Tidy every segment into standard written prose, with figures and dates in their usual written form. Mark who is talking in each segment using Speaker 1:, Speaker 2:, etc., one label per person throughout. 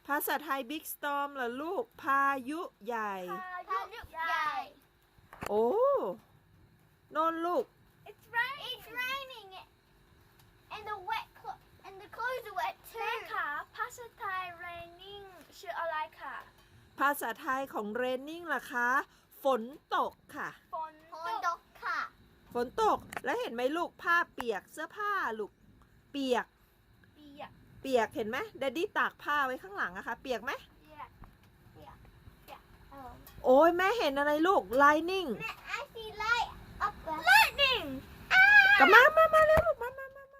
Speaker 1: ภาษาไทย Big Storm เหรอลูกพายุใหญ่
Speaker 2: พายุใหญ่
Speaker 1: โอ้โน่นลูก
Speaker 2: It's raining and the clothes are wet too แม่ค่ะภาษาไทย raining ชื่ออะไรค่ะ
Speaker 1: ภาษาไทยของ raining ล่ะคะฝนตกค่ะ
Speaker 2: ฝนตกค่ะ
Speaker 1: ฝนตกแล้วเห็นไหมลูกผ้าเปียกเสื้อผ้าลูกเปียกเห็นไหมแดดดี้ตากผ้าไว้ข้างหลังอะคะเปียกไหมโอ้ยแม่เห็นอะไรลูก lightning
Speaker 2: แม่ I see lightning
Speaker 1: กลับมาเร็วลูกมา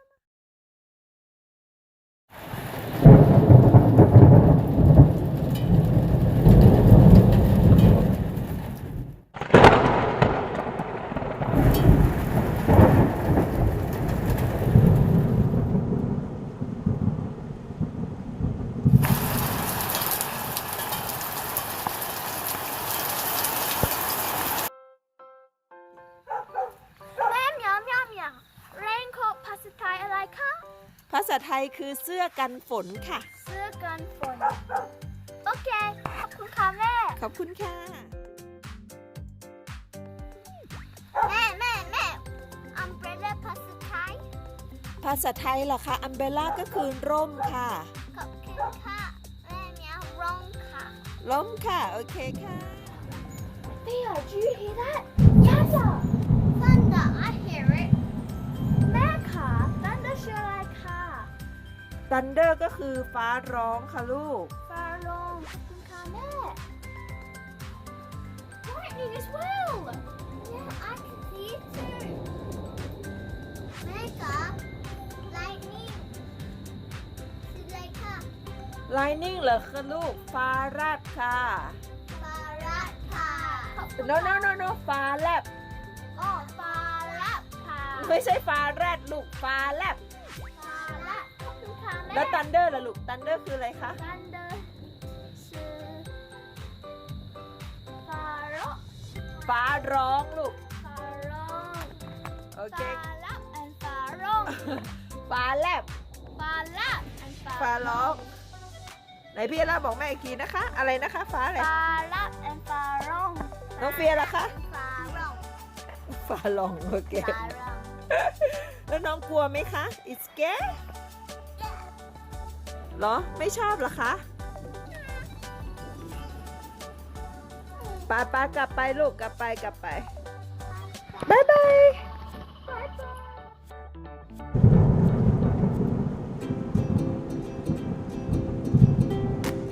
Speaker 2: raincoat ภาษาไทยอะไรคะ
Speaker 1: ภาษาไทยคือเสื้อกันฝนค่ะ
Speaker 2: เสื้อกันฝนโอเคขอบคุณค่ะแม่
Speaker 1: ขอบคุณค่ะ
Speaker 2: แม่ umbrella ภาษาไทย
Speaker 1: ภาษาไทยเหรอคะอัมเบล่าก็คือร่มค่ะ
Speaker 2: ขอบคุณค่ะแม่เมียร่มค่ะ
Speaker 1: ร่มค่ะโอเคค่ะ
Speaker 2: Theo, do you hear that? Thunder, I hear it. แม่ค่ะ Thunder ชื่ออะไรค่ะ
Speaker 1: Thunder ก็คือฟ้าร้องค่ะลูก
Speaker 2: ฟ้าร้องขอบคุณค่ะแม่ Lightning as well. Yeah, I can see it too. แม่ค่ะ Lightning คืออะไรค่ะ
Speaker 1: Lightning เหรอคะลูกฟ้าแลบค่ะ
Speaker 2: ฟ้ารัดค่ะ
Speaker 1: No ฟ้าแลบ
Speaker 2: อ๋อฟ้ารัดค่ะ
Speaker 1: ไม่ใช่ฟ้าแรดลูกฟ้าแลบ
Speaker 2: ฟ้ารัดขอบคุณค่ะแม่
Speaker 1: แล้ว Thunder ล่ะลูก Thunder คืออะไรคะ
Speaker 2: Thunder ชื่อฟ้าร้อง
Speaker 1: ฟ้าร้องลูก
Speaker 2: ฟ้าร้อง
Speaker 1: โอเค
Speaker 2: ฟ้าลับ and ฟ้าร้อง
Speaker 1: ฟ้าแลบ
Speaker 2: ฟ้าลับ and
Speaker 1: ฟ้าร้องไหนพี่ล่าบอกแม่อีกทีนะคะอะไรนะคะฟ้าอะไร
Speaker 2: ฟ้าลับ and ฟ้าร้อง
Speaker 1: น้องเฟียล่ะคะ
Speaker 2: ฟ้าร้อง
Speaker 1: ฟ้าร้องโอเค
Speaker 2: ฟ้าร้อง
Speaker 1: แล้วน้องกลัวไหมคะ It's scary เหรอไม่ชอบเหรอคะป้ากลับไปลูกกลับไปบ๊ายบาย